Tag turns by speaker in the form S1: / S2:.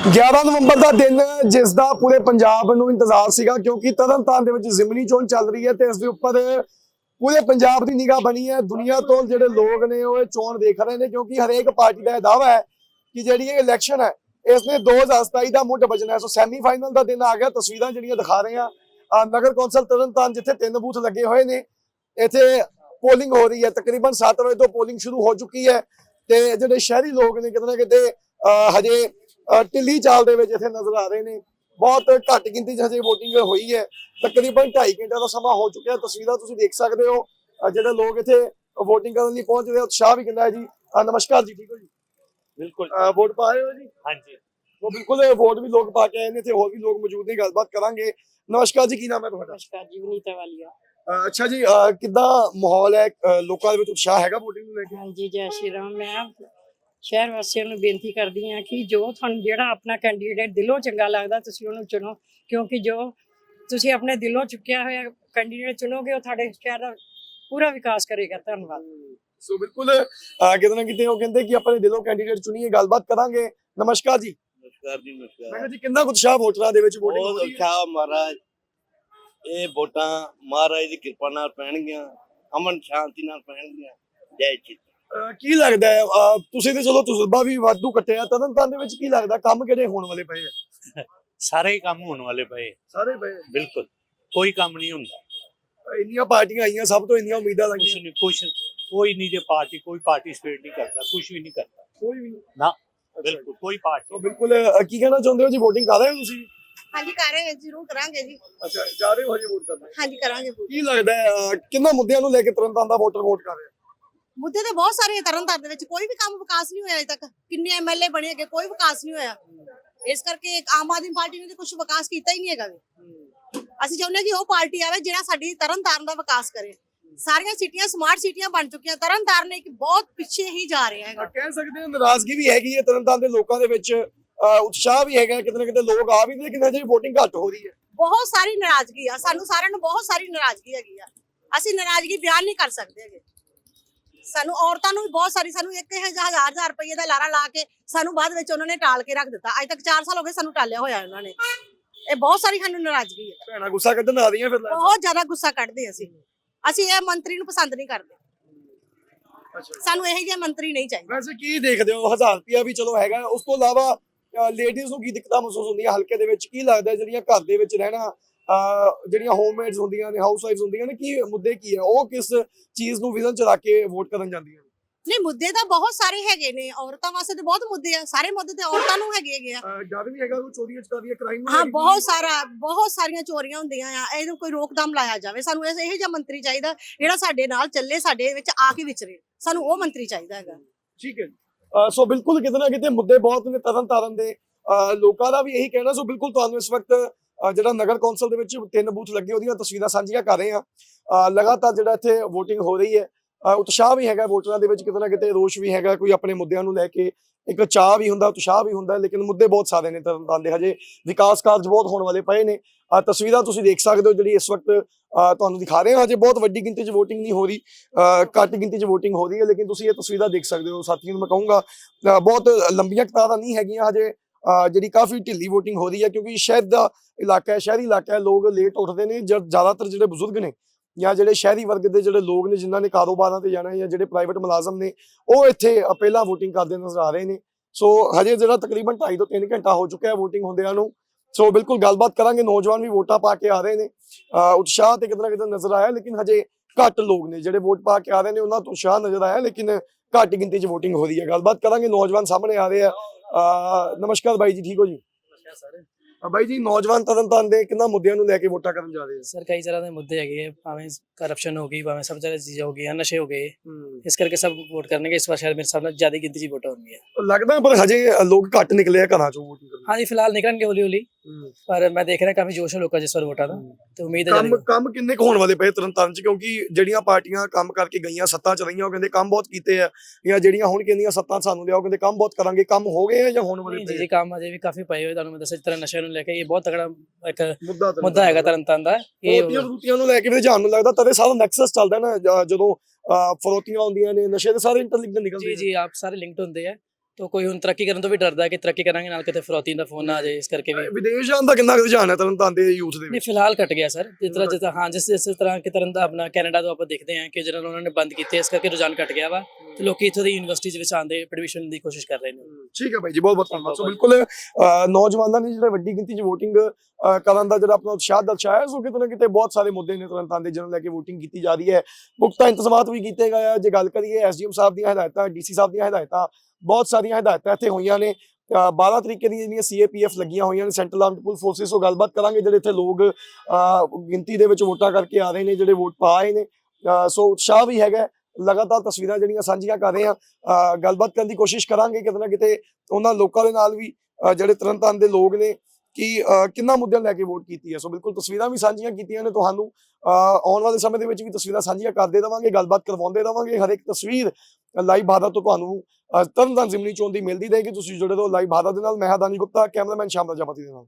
S1: 11 ਨਵੰਬਰ ਦਾ ਦਿਨ ਜਿਸ ਦਾ ਪੂਰੇ ਪੰਜਾਬ ਨੂੰ ਇੰਤਜ਼ਾਰ ਸੀਗਾ ਕਿਉਂਕਿ ਤਰਨਤਾਰਨ ਦੇ ਵਿੱਚ ਜ਼ਿਮਨੀ ਚੋਣ ਚੱਲ ਰਹੀ ਹੈ ਤੇ ਇਸ ਦੇ ਉੱਪਰ ਪੂਰੇ ਪੰਜਾਬ ਦੀ ਨਿਗਾਹ ਬਣੀ ਹੈ। ਦੁਨੀਆ ਤੋਂ ਜਿਹੜੇ ਲੋਕ ਨੇ ਉਹ ਚੋਣ ਦੇਖ ਰਹੇ ਨੇ ਕਿਉਂਕਿ ਹਰੇਕ ਪਾਰਟੀ ਦਾ ਇਹ ਦਾਅਵਾ ਹੈ ਕਿ ਜਿਹੜੀ ਇਹ ਇਲੈਕਸ਼ਨ ਹੈ ਇਸ ਨੇ 2027 ਦਾ ਮੁੱਢ ਵੱਜਣਾ ਹੈ। ਸੋ ਸੈਮੀਫਾਈਨਲ ਦਾ ਦਿਨ ਆ ਗਿਆ। ਤਸਵੀਰਾਂ ਜਿਹੜੀਆਂ ਦਿਖਾ ਰਹੇ ਆ ਨਗਰ ਕੌਂਸਲ ਤਰਨਤਾਰਨ ਜਿੱਥੇ 3 ਬੂਥ ਲੱਗੇ ਹੋਏ ਨੇ ਇੱਥੇ ਪੋਲਿੰਗ ਹੋ ਰਹੀ ਹੈ। ਤਕਰੀਬਨ 7 ਵਜੇ ਤੋਂ ਪੋਲਿੰਗ ਸ਼ੁਰੂ ਹੋ ਚੁੱਕੀ ਹੈ ਤੇ ਜਿਹੜੇ ਸ਼ਹਿਰੀ ਲੋਕ ਨੇ ਕਿਤੇ ਨਾ ਕਿਤੇ ਹਜੇ ਢਿੱਲੀ ਚਾਲ ਦੇ ਵਿੱਚ ਇੱਥੇ ਨਜ਼ਰ ਆ ਰਹੇ ਨੇ। ਬਹੁਤ ਘੱਟ ਗਿਣਤੀ 'ਚ ਹਜੇ VOTING ਹੋਈ ਹੈ। ਤਕਰੀਬਨ 2.5 ਘੰਟੇ ਦਾ ਸਮਾਂ ਹੋ ਚੁੱਕਿਆ। ਤਸਵੀਰਾਂ ਤੁਸੀਂ ਦੇਖ ਸਕਦੇ ਹੋ ਜਿਹੜੇ ਲੋਕ ਇੱਥੇ VOTING ਕਰਨ ਲਈ ਪਹੁੰਚ ਰਹੇ। ਉਤਸ਼ਾਹ ਵੀ ਕਿੰਨਾ ਹੈ ਜੀ। ਨਮਸਕਾਰ ਜੀ, ਠੀਕ ਹੋ ਜੀ?
S2: ਬਿਲਕੁਲ
S1: ਵੋਟ ਪਾ ਰਹੇ ਹੋ ਜੀ?
S2: ਹਾਂਜੀ
S1: ਉਹ ਬਿਲਕੁਲ ਵੋਟ ਵੀ ਲੋਕ ਪਾ ਕੇ ਆਏ ਨੇ ਤੇ ਹੋਰ ਵੀ ਲੋਕ ਮੌਜੂਦ ਨੇ, ਗੱਲਬਾਤ ਕਰਾਂਗੇ। ਨਮਸਕਾਰ ਜੀ, ਕੀ ਨਾਮ ਹੈ ਤੁਹਾਡਾ?
S3: ਨਮਸਕਾਰ ਜੀ, ਵਿਨੀਤਾ ਵਾਲੀਆ।
S1: ਅੱਛਾ ਜੀ, ਕਿੱਦਾਂ ਮਾਹੌਲ ਹੈ? ਲੋਕਾਂ ਦੇ ਵਿੱਚ ਉਤਸ਼ਾਹ ਹੈਗਾ VOTING ਨੂੰ ਲੈ ਕੇ?
S3: ਹਾਂਜੀ, ਜੈ ਸ਼੍ਰੀ ਰਾਮ। ਮੈਂ ਸ਼ਹਿਰ ਵਾਸੀਆਂ ਨੂੰ ਬੇਨਤੀ ਕਰਦੀ ਹਾਂ ਕਿ ਜੋ ਤੁਹਾਨੂੰ ਜਿਹੜਾ ਆਪਣਾ ਕੈਂਡੀਡੇਟ ਦਿਲੋਂ ਚੰਗਾ ਲੱਗਦਾ ਤੁਸੀਂ ਉਹਨੂੰ ਚੁਣੋ, ਕਿਉਂਕਿ ਜੋ ਤੁਸੀਂ ਆਪਣੇ ਦਿਲੋਂ ਚੁੱਕਿਆ ਹੋਇਆ ਕੈਂਡੀਡੇਟ ਚੁਣੋਗੇ ਉਹ ਤੁਹਾਡੇ ਸ਼ਹਿਰ ਦਾ ਪੂਰਾ ਵਿਕਾਸ ਕਰੇਗਾ। ਧੰਨਵਾਦ।
S1: ਸੋ ਬਿਲਕੁਲ ਕਿਤੇ ਨਾ ਕਿਤੇ ਉਹ ਕਹਿੰਦੇ ਕਿ ਆਪਣੇ ਦਿਲੋਂ ਕੈਂਡੀਡੇਟ ਚੁਣੀਏ। ਗੱਲਬਾਤ ਕਰਾਂਗੇ। ਨਮਸਕਾਰ ਜੀ।
S2: ਨਮਸਕਾਰ ਜੀ।
S1: ਮੈਂ
S2: ਨਮਸਕਾਰ।
S1: ਕਿਹਾ ਜੀ ਕਿੰਨਾ ਕੁ ਉਤਸ਼ਾਹ ਵੋਟਰਾਂ ਦੇ ਵਿੱਚ VOTING
S2: ਬਹੁਤ
S1: ਹੋ ਰਹੀ ਹੈ?
S2: ਅੱਛਾ ਮਹਾਰਾਜ, ਇਹ ਵੋਟਾਂ ਮਹਾਰਾਜ ਦੀ ਕਿਰਪਾ ਨਾਲ ਪੈਣਗੀਆਂ, ਅਮਨ ਸ਼ਾਂਤੀ ਨਾਲ ਪੈਣਗੀਆਂ। ਜੈ ਜੀ।
S1: ਕੀ ਲੱਗਦਾ ਹੈ ਤੁਸੀਂ ਤੇ ਚਲੋ ਤਜਰਬਾ ਵੀ ਵਾਧੂ ਕੱਟਿਆ ਤਰਨਤਾਰਨ ਦੇ ਵਿੱਚ, ਕੀ ਲੱਗਦਾ ਕੰਮ ਕਿਹੜੇ ਹੋਣ ਵਾਲੇ ਪਏ ਆ?
S4: ਸਾਰੇ ਹੀ ਕੰਮ ਹੋਣ ਵਾਲੇ ਪਏ।
S1: ਸਾਰੇ ਪਏ।
S4: ਬਿਲਕੁਲ ਕੋਈ ਕੰਮ ਨਹੀਂ ਹੁੰਦਾ।
S1: ਇੰਨੀਆਂ ਪਾਰਟੀਆਂ ਆਈਆਂ, ਸਭ ਤੋਂ ਇੰਨੀਆਂ ਉਮੀਦਾਂ ਲੱਗੀਆਂ,
S4: ਕੋਈ ਨਹੀਂ ਜੇ ਪਾਰਟੀ ਕੋਈ ਪਾਰਟਿਸਿਪੇਟ ਨਹੀਂ ਕਰਦਾ, ਕੁਝ ਵੀ ਨਹੀਂ ਕਰਦਾ
S1: ਕੋਈ ਵੀ ਨਹੀਂ।
S4: ਨਾ, ਬਿਲਕੁਲ ਕੋਈ ਪਾਰਟੀ।
S1: ਤਾਂ ਬਿਲਕੁਲ ਕੀ ਕਹਿਣਾ ਚਾਹੁੰਦੇ ਹੋ ਜੀ? VOTING ਕਰ ਰਹੇ ਹੋ ਤੁਸੀਂ?
S5: ਹਾਂਜੀ ਕਰ ਰਹੇ ਹਾਂ, ਜ਼ਰੂਰ ਕਰਾਂਗੇ ਜੀ।
S1: ਅੱਛਾ, ਜਾ ਰਹੇ ਹੋ ਹਜੇ ਵੋਟ ਕਰਨਾ?
S5: ਹਾਂਜੀ ਕਰਾਂਗੇ।
S1: ਕੀ ਲੱਗਦਾ ਹੈ ਕਿੰਨਾ ਮੁੱਦਿਆਂ ਨੂੰ ਲੈ ਕੇ ਤਰਨਤਾਰਨ ਦਾ ਵੋਟਰ ਵੋਟ ਕਰ ਰਿਹਾ?
S5: ਮੁੱਦੇ ਤਾਂ ਬਹੁਤ ਸਾਰੇ ਤਰਨਤਾਰਨ ਦੇ ਵਿੱਚ, ਕੋਈ ਵੀ ਕੰਮ ਵਿਕਾਸ ਨਹੀਂ ਹੋਇਆ ਅਜੇ ਤੱਕ। ਕਿੰਨੇ MLA ਬਣੇ ਹੈਗੇ, ਕੋਈ ਵਿਕਾਸ ਨਹੀਂ ਹੋਇਆ। ਇਸ ਕਰਕੇ ਆਮ ਆਦਮੀ ਪਾਰਟੀ ਨੇ ਤਾਂ ਕੁਝ ਵਿਕਾਸ ਕੀਤਾ ਹੀ ਨਹੀਂ ਹੈਗਾ। ਅਸੀਂ ਚਾਹੁੰਦੇ ਹਾਂ ਕਿ ਉਹ ਪਾਰਟੀ ਆਵੇ ਜਿਹੜਾ ਸਾਡੀ ਤਰਨਤਾਰਨ ਦਾ ਵਿਕਾਸ ਕਰੇ। ਸਾਰੀਆਂ ਸਿਟੀਆਂ ਸਮਾਰਟ ਸਿਟੀਆਂ ਬਣ ਚੁੱਕੀਆਂ, ਤਰਨਤਾਰਨ ਇੱਕ ਬਹੁਤ ਪਿੱਛੇ ਹੀ ਜਾ ਰਿਹਾ ਹੈਗਾ।
S1: ਕਹਿ ਸਕਦੇ ਹਾਂ ਨਾਰਾਜ਼ਗੀ ਵੀ ਹੈਗੀ ਹੈ ਤਰਨਤਾਰਨ ਦੇ ਲੋਕਾਂ ਦੇ ਵਿੱਚ, ਉਤਸ਼ਾਹ ਵੀ ਹੈਗਾ, ਕਿਤੇ ਨਾ ਕਿਤੇ ਲੋਕ ਆ ਵੀ ਨੇ, ਲੇਕਿਨ ਹਜੇ VOTING ਘੱਟ ਹੋ ਰਹੀ ਹੈ।
S5: ਬਹੁਤ ਸਾਰੀ ਨਾਰਾਜ਼ਗੀ ਆ, ਸਾਨੂੰ ਸਾਰਿਆਂ ਨੂੰ ਬਹੁਤ ਸਾਰੀ ਨਾਰਾਜ਼ਗੀ ਹੈਗੀ ਆ। ਅਸੀਂ ਨਾਰਾਜ਼ਗੀ ਬਿਆਨ ਨਹੀਂ ਕਰ ਸਕਦੇ ਹੈਗੇ। ਸਾਨੂੰ ਔਰਤਾਂ ਨੂੰ ਵੀ ਬਹੁਤ ਸਾਰੀ, ਸਾਨੂੰ 1000 ਰੁਪਏ ਦਾ ਲਾਰਾ ਲਾ ਕੇ ਸਾਨੂੰ ਬਾਅਦ ਵਿੱਚ ਉਹਨਾਂ ਨੇ ਟਾਲ ਕੇ ਰੱਖ ਦਿੱਤਾ। ਅੱਜ ਤੱਕ 4 ਸਾਲ ਹੋ ਗਏ ਸਾਨੂੰ ਟਾਲਿਆ ਹੋਇਆ ਉਹਨਾਂ ਨੇ। ਇਹ ਬਹੁਤ ਸਾਰੀ ਸਾਨੂੰ ਨਾਰਾਜ਼ਗੀ ਹੈ।
S1: ਭੈਣਾਂ ਗੁੱਸਾ ਕੱਢਣ ਆ ਰਹੀਆਂ ਫਿਰ?
S5: ਬਹੁਤ ਜ਼ਿਆਦਾ ਗੁੱਸਾ ਕੱਢਦੇ ਅਸੀਂ ਇਹ ਮੰਤਰੀ ਨੂੰ ਪਸੰਦ ਨਹੀਂ ਕਰਦੇ। ਸਾਨੂੰ ਇਹੋ ਜਿਹੇ ਮੰਤਰੀ ਨਹੀਂ ਚਾਹੀਦੇ।
S1: ਵੈਸੇ ਕੀ ਦੇਖਦੇ ਹੋ? 1000 ਰੁਪਿਆ ਵੀ ਚਲੋ ਹੈਗਾ, ਉਸ ਤੋਂ ਇਲਾਵਾ ਲੇਡੀਜ਼ ਨੂੰ ਕੀ ਦਿੱਕਤਾਂ ਮਹਿਸੂਸ ਹੁੰਦੀਆਂ ਹਲਕੇ ਦੇ ਵਿੱਚ? ਕੀ ਲੱਗਦਾ ਜਿਹੜੀਆਂ ਘਰ ਦੇ ਵਿੱਚ ਰਹਿਣਾ, ਜਿਹੜੀਆਂ ਹੋਮਮੇਡਸ ਹੁੰਦੀਆਂ ਨੇ, ਹਾਊਸ ਵਾਈਫਸ ਹੁੰਦੀਆਂ ਨੇ, ਕੀ ਮੁੱਦੇ ਕੀ ਹੈ? ਉਹ ਕਿਸ ਚੀਜ਼ ਨੂੰ ਵਿਜ਼ਨ ਚ ਰੱਖ ਕੇ ਵੋਟ ਕਰਨ ਜਾਂਦੀਆਂ ਨੇ?
S5: ਨਹੀਂ, ਮੁੱਦੇ ਤਾਂ ਬਹੁਤ ਸਾਰੇ ਹੈਗੇ ਨੇ। ਔਰਤਾਂ ਵਾਸਤੇ ਤਾਂ ਬਹੁਤ ਮੁੱਦੇ ਆ। ਸਾਰੇ ਮੁੱਦੇ ਤੇ ਔਰਤਾਂ ਨੂੰ ਹੈਗੇ ਆ।
S1: ਜਦ ਵੀ ਹੈਗਾ ਉਹ ਚੋਰੀਆਂ ਚਕਾਰੀਆਂ, ਕ੍ਰਾਈਮ।
S5: ਹਾਂ, ਬਹੁਤ ਸਾਰੀਆਂ ਚੋਰੀਆਂ ਹੁੰਦੀਆਂ ਆ। ਇਹਨੂੰ ਕੋਈ ਰੋਕਥਾਮ ਲਾਇਆ ਜਾਵੇ। ਸਾਨੂੰ ਇਹੋ ਜਿਹਾ ਮੰਤਰੀ ਚਾਹੀਦਾ ਜਿਹੜਾ ਸਾਡੇ ਨਾਲ ਚੱਲੇ, ਸਾਡੇ ਵਿੱਚ ਆ ਕੇ ਵਿਚਰੇ। ਸਾਨੂੰ ਉਹ ਮੰਤਰੀ ਚਾਹੀਦਾ ਹੈਗਾ।
S1: ਠੀਕ ਹੈ। ਸੋ ਬਿਲਕੁਲ ਕਿਤੇ ਨਾ ਕਿਤੇ ਮੁੱਦੇ ਬਹੁਤ ਨੇ ਤਰਨਤਾਰਨ ਦੇ। ਲੋਕਾਂ ਦਾ ਵੀ ਇਹੀ ਕਹਿਣਾ। ਸੋ ਬਿਲਕੁਲ ਤੁਹਾਨੂੰ ਇਸ ਵਕਤ ਜਿਹੜਾ ਨਗਰ ਕੌਂਸਲ ਦੇ ਵਿੱਚ 3 ਬੂਥ ਲੱਗੇ ਉਹਦੀਆਂ ਤਸਵੀਰਾਂ ਸਾਂਝੀਆਂ ਕਰ ਰਹੇ ਹਾਂ। ਲਗਾਤਾਰ ਜਿਹੜਾ ਇੱਥੇ VOTING ਹੋ ਰਹੀ ਹੈ। ਉਤਸ਼ਾਹ ਵੀ ਹੈਗਾ ਵੋਟਰਾਂ ਦੇ ਵਿੱਚ, ਕਿਤੇ ਨਾ ਕਿਤੇ ਰੋਸ਼ ਵੀ ਹੈਗਾ। ਕੋਈ ਆਪਣੇ ਮੁੱਦਿਆਂ ਨੂੰ ਲੈ ਕੇ ਇੱਕ ਚਾਹ ਵੀ ਹੁੰਦਾ, ਉਤਸ਼ਾਹ ਵੀ ਹੁੰਦਾ, ਲੇਕਿਨ ਮੁੱਦੇ ਬਹੁਤ ਸਾਰੇ ਨੇ ਤਰਨਤਾਰਨ ਦੇ। ਹਜੇ ਵਿਕਾਸ ਕਾਰਜ ਬਹੁਤ ਹੋਣ ਵਾਲੇ ਪਏ ਨੇ। ਤਸਵੀਰਾਂ ਤੁਸੀਂ ਦੇਖ ਸਕਦੇ ਹੋ ਜਿਹੜੀ ਇਸ ਵਕਤ ਤੁਹਾਨੂੰ ਦਿਖਾ ਰਹੇ ਹਾਂ। ਹਜੇ ਬਹੁਤ ਵੱਡੀ ਗਿਣਤੀ 'ਚ VOTING ਨਹੀਂ ਹੋ ਰਹੀ, ਘੱਟ ਗਿਣਤੀ 'ਚ VOTING ਹੋ ਰਹੀ ਹੈ, ਲੇਕਿਨ ਤੁਸੀਂ ਇਹ ਤਸਵੀਰਾਂ ਦੇਖ ਸਕਦੇ ਹੋ। ਸਾਥੀਆਂ ਨੂੰ ਮੈਂ ਕਹੂੰਗਾ ਬਹੁਤ ਲੰਬੀਆਂ ਕਤਾਰਾਂ ਨਹੀਂ ਹੈਗੀਆਂ ਹਜੇ, ਜਿਹੜੀ ਕਾਫੀ ਢਿੱਲੀ VOTING ਹੋ ਰਹੀ ਹੈ ਕਿਉਂਕਿ ਸ਼ਹਿਰ ਦਾ ਇਲਾਕਾ ਹੈ, ਸ਼ਹਿਰੀ ਇਲਾਕਾ ਹੈ। ਲੋਕ ਲੇਟ ਉੱਠਦੇ ਨੇ। ਜ਼ਿਆਦਾਤਰ ਜਿਹੜੇ ਬਜ਼ੁਰਗ ਨੇ ਜਾਂ ਜਿਹੜੇ ਸ਼ਹਿਰੀ ਵਰਗ ਦੇ ਜਿਹੜੇ ਲੋਕ ਨੇ ਜਿਨ੍ਹਾਂ ਨੇ ਕਾਰੋਬਾਰਾਂ ਤੇ ਜਾਣਾ ਜਾਂ ਜਿਹੜੇ ਪ੍ਰਾਈਵੇਟ ਮੁਲਾਜ਼ਮ ਨੇ, ਉਹ ਇੱਥੇ ਪਹਿਲਾਂ VOTING ਕਰਦੇ ਨਜ਼ਰ ਆ ਰਹੇ ਨੇ। ਸੋ ਹਜੇ ਜਿਹੜਾ ਤਕਰੀਬਨ 2.5 ਤੋਂ 3 ਘੰਟਾ ਹੋ ਚੁੱਕਿਆ ਹੈ VOTING ਹੁੰਦਿਆਂ ਨੂੰ। ਸੋ ਬਿਲਕੁਲ ਗੱਲਬਾਤ ਕਰਾਂਗੇ। ਨੌਜਵਾਨ ਵੀ ਵੋਟਾਂ ਪਾ ਕੇ ਆ ਰਹੇ ਨੇ। ਉਤਸ਼ਾਹ ਤੇ ਕਿਤੇ ਨਾ ਕਿਤੇ ਨਜ਼ਰ ਆਇਆ, ਲੇਕਿਨ ਹਜੇ ਘੱਟ ਲੋਕ ਨੇ ਜਿਹੜੇ ਵੋਟ ਪਾ ਕੇ ਆ ਰਹੇ ਨੇ। ਉਹਨਾਂ ਤੋਂ ਉਤਸ਼ਾਹ ਨਜ਼ਰ ਆਇਆ, ਲੇਕਿਨ ਘੱਟ ਗਿਣਤੀ 'ਚ VOTING ਹੋ ਰਹੀ ਹੈ। ਗੱਲਬਾਤ ਕਰਾਂਗੇ। ਨੌਜਵਾਨ ਸਾਹਮਣੇ ਆ ਰਹੇ ਆ। ਨਮਸਕਾਰ ਬਾਈ ਜੀ, ਠੀਕ ਹੋ ਜੀ? ਬਾਈ ਜੀ, ਨੌਜਵਾਨ ਤਰਨਤਾਰਨ ਦੇ ਕਿੰਨਾ ਮੁੱਦਿਆਂ ਨੂੰ ਲੈ ਕੇ ਵੋਟਾਂ ਕਰਨ ਜਾ ਰਹੇ ਆ?
S6: ਸਰ ਕਈ ਤਰ੍ਹਾਂ ਦੇ ਮੁੱਦੇ ਹੈਗੇ, ਭਾਵੇਂ ਕਰਪਸ਼ਨ ਹੋ ਗਈ, ਭਾਵੇਂ ਸਭ ਤਰ੍ਹਾਂ ਦੀ ਚੀਜ਼ਾਂ ਹੋ ਗਈਆਂ, ਨਸ਼ੇ ਹੋ ਗਏ। ਇਸ ਕਰਕੇ ਸਭ ਵੋਟ ਕਰਨਗੇ ਇਸ ਵਾਰ। ਸ਼ਾਇਦ ਮੇਰੇ ਸਾਹਮਣੇ ਜ਼ਿਆਦਾ ਗਿਣਤੀ 'ਚ ਵੋਟਾਂ ਹੋਣਗੀਆਂ
S1: ਲੱਗਦਾ, ਪਰ ਹਜੇ ਲੋਕ ਘੱਟ ਨਿਕਲੇ ਆ ਘਰਾਂ 'ਚੋਂ VOTING ਕਰਨ।
S6: ਹਾਂਜੀ, ਫਿਲਹਾਲ ਨਿਕਲਣਗੇ ਹੌਲੀ ਹੌਲੀ, ਪਰ ਮੈਂ ਦੇਖ ਰਿਹਾ ਕਾਫੀ ਜੋਸ਼ ਹੈ ਲੋਕਾਂ 'ਚ ਇਸ ਵਾਰ ਵੋਟਾਂ ਦਾ, ਤੇ ਉਮੀਦ ਹੈ
S1: ਕੰਮ ਕਿੰਨੇ ਕੁ ਹੋਣ ਵਾਲੇ ਪਏ ਤਰਨਤਾਰਨ 'ਚ? ਕਿਉਂਕਿ ਜਿਹੜੀਆਂ ਪਾਰਟੀਆਂ ਕੰਮ ਕਰਕੇ ਗਈਆਂ, ਸੱਤਾ 'ਚ ਰਹੀਆਂ, ਉਹ ਕਹਿੰਦੇ ਕੰਮ ਬਹੁਤ ਕੀਤੇ ਆ, ਜਾਂ ਜਿਹੜੀਆਂ ਹੁਣ ਕਹਿੰਦੀਆਂ ਸੱਤਾ ਸਾਨੂੰ ਲਿਆਓ, ਕਹਿੰਦੇ ਕੰਮ ਬਹੁਤ ਕਰਾਂਗੇ। ਕੰਮ ਹੋ ਗਏ ਆ ਜਾਂ ਹੋਣ ਵਾਲੇ ਪਏ?
S6: ਜੀ ਕੰਮ ਅਜੇ ਵੀ ਕਾਫੀ ਪਏ ਹੋਏ। ਤੁਹਾਨੂੰ ਮੈਂ ਦੱਸਿਆ, ਜਿਸ ਤਰ੍ਹਾਂ ਨਸ਼ਿਆਂ ਨੂੰ ਲੈ ਕੇ ਇਹ ਬਹੁਤ ਤਕੜਾ ਇੱਕ ਮੁੱਦਾ ਹੈਗਾ ਤਰਨਤਾਰਨ ਦਾ। ਇਹ
S1: ਫਰੋਤੀਆਂ ਨੂੰ ਲੈ ਕੇ ਜਾਣ ਨੂੰ ਲੱਗਦਾ ਤਦੇ ਸਾਰਾ ਨੈਕਸਸ ਚੱਲਦਾ ਨਾ, ਜਦੋਂ ਫਰੋਤੀਆਂ ਆਉਂਦੀਆਂ ਨੇ, ਨਸ਼ੇ ਦੇ ਸਾਰੇ ਇੰਟਰਲਿੰਕਡ ਨਿਕਲਦੇ
S6: ਜੀ। ਆਪ ਸਾਰੇ ਲਿੰਕਡ ਹੁੰਦੇ ਆ। तो कोई हुण तरक्की करन तो भी डरदा है कि तरक्की करांगे नाल किते फरौती दा फोन ना आ जाए, इस करके भी
S1: ਵਿਦੇਸ਼ ਜਾਣ ਦਾ ਕਿੰਨਾ ਕੁ ਰੁਝਾਨ ਹੈ ਤਰਨਤਾਰਨ ਦੇ ਯੂਥ ਦੇ
S6: नहीं
S1: ਵਿੱਚ?
S6: फिलहाल कट गया सर, जिस हाँ जिस तरह की तरह अपना कैनेडा तो आप देखते हैं कि जिन्होंने उन्होंने बंद किए, इस करके रुझान घट गया वा ਤੇ ਲੋਕੀ ਇੱਥੋਂ ਦੀ ਯੂਨੀਵਰਸਿਟੀ ਵਿੱਚ ਆਉਣ ਦੇ ਐਡਮਿਸ਼ਨ ਦੀ ਕੋਸ਼ਿਸ਼ ਕਰ ਰਹੇ ਨੇ।
S1: ਠੀਕ ਹੈ ਬਾਈ ਜੀ, ਬਹੁਤ ਬਹੁਤ ਧੰਨਵਾਦ। ਸੋ ਬਿਲਕੁਲ ਨੌਜਵਾਨਾਂ ਨੇ ਜਿਹੜਾ ਵੱਡੀ ਗਿਣਤੀ 'ਚ ਵੋਟਿੰਗ ਕਰਨ ਦਾ ਜਿਹੜਾ ਆਪਣਾ ਉਤਸ਼ਾਹ ਦਰਸਾਇਆ, ਸੋ ਕਿਤੇ ਨਾ ਕਿਤੇ ਬਹੁਤ ਸਾਰੇ ਮੁੱਦੇ ਨੇ ਤਰਨਤਾਰਨ ਦੇ ਜਿਹਨੂੰ ਲੈ ਕੇ ਵੋਟਿੰਗ ਕੀਤੀ ਜਾ ਰਹੀ ਹੈ। ਪੁਖਤਾ ਇੰਤਜ਼ਾਮਾਤ ਵੀ ਕੀਤੇ ਗਏ ਆ। ਜੇ ਗੱਲ ਕਰੀਏ ਐਸਡੀਐਮ ਸਾਹਿਬ ਦੀਆਂ ਹਦਾਇਤਾਂ, ਡੀਸੀ ਸਾਹਿਬ ਦੀਆਂ ਹਦਾਇਤਾਂ, ਬਹੁਤ ਸਾਰੀਆਂ ਹਦਾਇਤਾਂ ਇੱਥੇ ਹੋਈਆਂ ਨੇ। 12 ਤਰੀਕੇ ਦੀਆਂ ਜਿਹੜੀਆਂ ਸੀਏਪੀਐਫ ਲੱਗੀਆਂ ਹੋਈਆਂ ਨੇ, ਸੈਂਟਰਲ ਆਰਮਡ ਪੁਲਿਸ ਫੋਰਸਿਸ। ਤੋਂ ਗੱਲਬਾਤ ਕਰਾਂਗੇ ਜਿਹੜੇ ਇੱਥੇ ਲੋਕ ਗਿਣਤੀ ਦੇ ਵਿੱਚ ਵੋਟਾਂ ਕਰਕੇ ਆ ਰਹੇ ਨੇ, ਜਿਹੜੇ ਵੋਟ ਪਾ ਆਏ ਨੇ। ਸੋ ਉਤਸ਼ਾਹ ਵੀ ਹੈਗਾ। ਲਗਾਤਾਰ ਤਸਵੀਰਾਂ ਜਿਹੜੀਆਂ ਸਾਂਝੀਆਂ ਕਰ ਰਹੇ ਹਾਂ, ਗੱਲਬਾਤ ਕਰਨ ਦੀ ਕੋਸ਼ਿਸ਼ ਕਰਾਂਗੇ ਕਿਤੇ ਨਾ ਕਿਤੇ ਉਹਨਾਂ ਲੋਕਾਂ ਦੇ ਨਾਲ ਵੀ ਜਿਹੜੇ ਤਰਨਤਾਰਨ ਦੇ ਲੋਕ ਨੇ ਕਿ ਕਿੰਨਾ ਮੁੱਦਿਆਂ ਲੈ ਕੇ ਵੋਟ ਕੀਤੀ ਹੈ। ਸੋ ਬਿਲਕੁਲ ਤਸਵੀਰਾਂ ਵੀ ਸਾਂਝੀਆਂ ਕੀਤੀਆਂ ਨੇ ਤੁਹਾਨੂੰ। ਆਉਣ ਵਾਲੇ ਸਮੇਂ ਦੇ ਵਿੱਚ ਵੀ ਤਸਵੀਰਾਂ ਸਾਂਝੀਆਂ ਕਰਦੇ ਰਵਾਂਗੇ, ਗੱਲਬਾਤ ਕਰਵਾਉਂਦੇ ਰਵਾਂਗੇ। ਹਰ ਇੱਕ ਤਸਵੀਰ ਲਾਈਵ ਭਾਰਤ ਤੋਂ ਤੁਹਾਨੂੰ ਤਰਨਤਾਰਨ ਜ਼ਿਮਨੀ ਚੋਣ ਦੀ ਮਿਲਦੀ ਰਹੇਗੀ। ਤੁਸੀਂ ਜੁੜੇ ਰਹੋ ਲਾਈਵ ਭਾਰਤ ਦੇ ਨਾਲ। ਮੈਂ ਹਾਂ ਦਾਨੀ ਗੁਪਤਾ, ਕੈਮਰਾਮੈਨ ਸ਼ਾਮ ਪ੍ਰਜਾਪਤੀ ਦੇ ਨਾਲ।